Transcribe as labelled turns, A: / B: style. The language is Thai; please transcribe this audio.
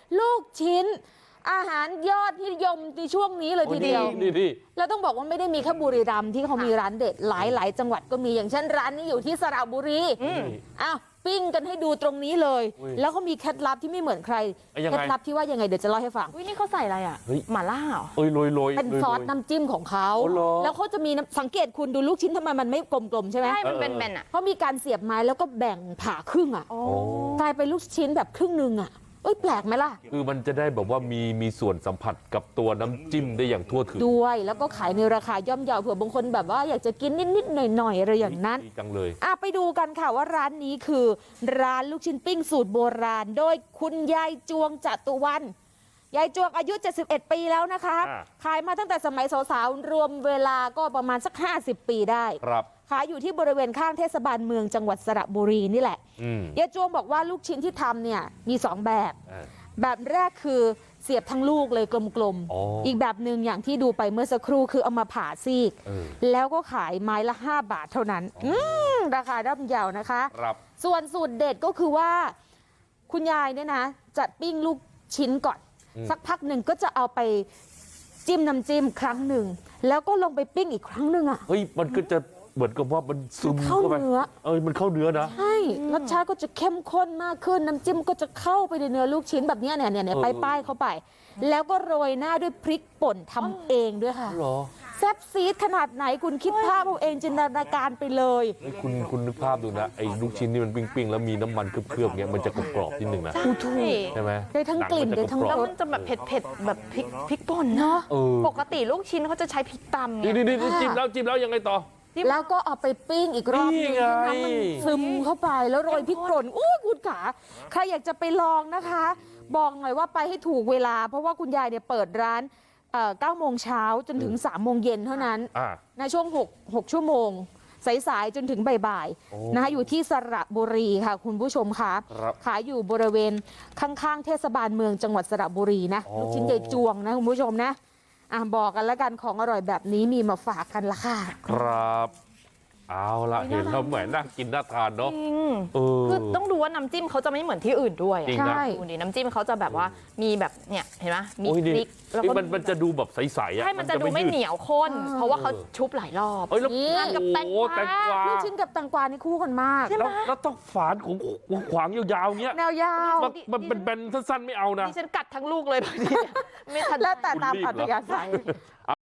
A: ลูกชิ้นอาหารยอดนิยมในช่วงนี้เลยทีเดียว
B: นี่
A: แล้วต้องบอกว่าไม่ได้มีแค่บุรีรัมย์ที่เขามีร้านเด็ดหลายจังหวัดก็มีอย่างเช่นร้านนี้อยู่ที่สระบุรีอ้าวปิ้งกันให้ดูตรงนี้เลยแล้วเขามีเคล็ดลับที่ไม่เหมือนใครเคล็ดลับที่ว่ายังไงเดี๋ยวจะเล่าให้ฟัง
C: นี่เขาใส่อะไรอ่ะหม่าล่าเหรอ
B: โรย
A: เป็นซอสน้ำจิ้มของเขาแล้วเขาจะมีสังเกตคุณดูลูกชิ้นทำไมมันไม่กลมๆใช่ไหม
C: ใช่มันเป็นอ่ะ
A: เขามีการเสียบไม้แล้วก็แบ่งผ่าครึ่งอ่ะกลายเป็นลูกชิ้นแบบครึ่งนึงอ่ะแปลกไหมล่ะ
B: คือมันจะได้แบบว่ามีส่วนสัมผัสกับตัวน้ำจิ้มได้อย่างทั่วถึง
A: ด้วยแล้วก็ขายในราคาย่อมเยาเผื่อบางคนแบบว่าอยากจะกินนิดๆหน่อยๆอะไรอย่างนั้น
B: ดีจังเลย
A: ไปดูกันค่ะว่าร้านนี้คือร้านลูกชิ้นปิ้งสูตรโบราณโดยคุณยายจวงจตุวรรณยายจวงอายุ71ปีแล้วนะคะขายมาตั้งแต่สมัยสาวๆรวมเวลาก็ประมาณสัก50ปีได้
B: ครับ
A: ขายอยู่ที่บริเวณข้างเทศบาลเมืองจังหวัดสระบุรีนี่แหละยายจวงบอกว่าลูกชิ้นที่ทำเนี่ยมี2แบบแรกคือเสียบทั้งลูกเลยกลมๆอีกแบบหนึ่งอย่างที่ดูไปเมื่อสักครู่คือเอามาผ่าซีกแล้วก็ขายไม้ละ5 บาทเท่านั้นราคาย่อมเยานะคะส่วนสูตรเด็ดก็คือว่าคุณยายเนี่ยนะจะปิ้งลูกชิ้นก่อนสักพักหนึ่งก็จะเอาไปจิ้มน้ำจิ้มครั้งหนึ่งแล้วก็ลงไปปิ้งอีกครั้งหนึ่งอ่ะ
B: มันก็จะเหมือนกับว่ามันซึมเข้าไปมันเข้าเนื้อนะ
A: ใช่รสชาติก็จะเข้มข้นมากขึ้นน้ำจิ้มก็จะเข้าไปในเนื้อลูกชิ้นแบบนี้เนี่ยป้ายเข้าไปแล้วก็โรยหน้าด้วยพริกป่นทำเองด้วยค่ะแซ่บซีดขนาดไหนคุณคิดภาพเอาเองจินตนาการไปเลย
B: คุณนึกภาพดูนะไอ้ลูกชิ้นนี่มันปิ้งๆแล้วมีน้ำมันเคลือบๆเงี้ยมันจะกรอบๆนิดนึงนะใช่ไหม
A: ได้ทั้งกลิ่นได้ทั้ง
C: แล้วมันจะแบบเผ็ดแบบพริกป่นเนาะปกติลูกชิ้นเขาจะใช้พริกตำ
B: นี่จิ้มแล้วยังไงต่อ
A: แล้วก็เอาไปปิ้งอีกรอบนึงน้ำมันซึมเข้าไปแล้วโรยพริกป่นคุณขาใครอยากจะไปลองนะคะบอกหน่อยว่าไปให้ถูกเวลาเพราะว่าคุณยายเนี่ยเปิดร้าน9 โมงเช้าจนถึง3 โมงเย็นเท่านั้นในช่วง6 ชั่วโมงสายๆจนถึงบ่ายๆนะคะอยู่ที่สระบุรีค่ะคุณผู้ชมค่ะขายอยู่บริเวณข้างๆเทศบาลเมืองจังหวัดสระบุรีนะลูกชิ้นใหญ่จวงนะคุณผู้ชมนะบอกกันแล้วกันของอร่อยแบบนี้มีมาฝากกันละค่ะ
B: ครับเอาละเห็นแล้วเหมือนน่ากินน่าทานเนาะ
C: คือต้องดูว่าน้ำจิ้มเขาจะไม่เหมือนที่อื่นด้วย
A: ใช่
C: ดูดิน้ำจิ้มเขาจะแบบว่ามีแบบเนี่ยเห็นไหมมีพริก
B: แล้วก็มันจะดูแบบใสๆ
C: ใช่มันจะดูไม่เหนียวข้นเพราะว่าเขาชุบหลายรอบ
B: ทาน
C: กับแตงกวา
A: ลูกชิ้นกับแตงกวานี่คู่กันมาก
B: แล้วต้องฝานของขวางยาวๆเงี้ย
A: แนวยาว
B: มันเป็นแบนสั้นๆไม่เอานะ
C: ดิฉันกัดทั้งลูกเลยบางทีไม่ทัน
A: แล้วแต่ตามอัธยาศัย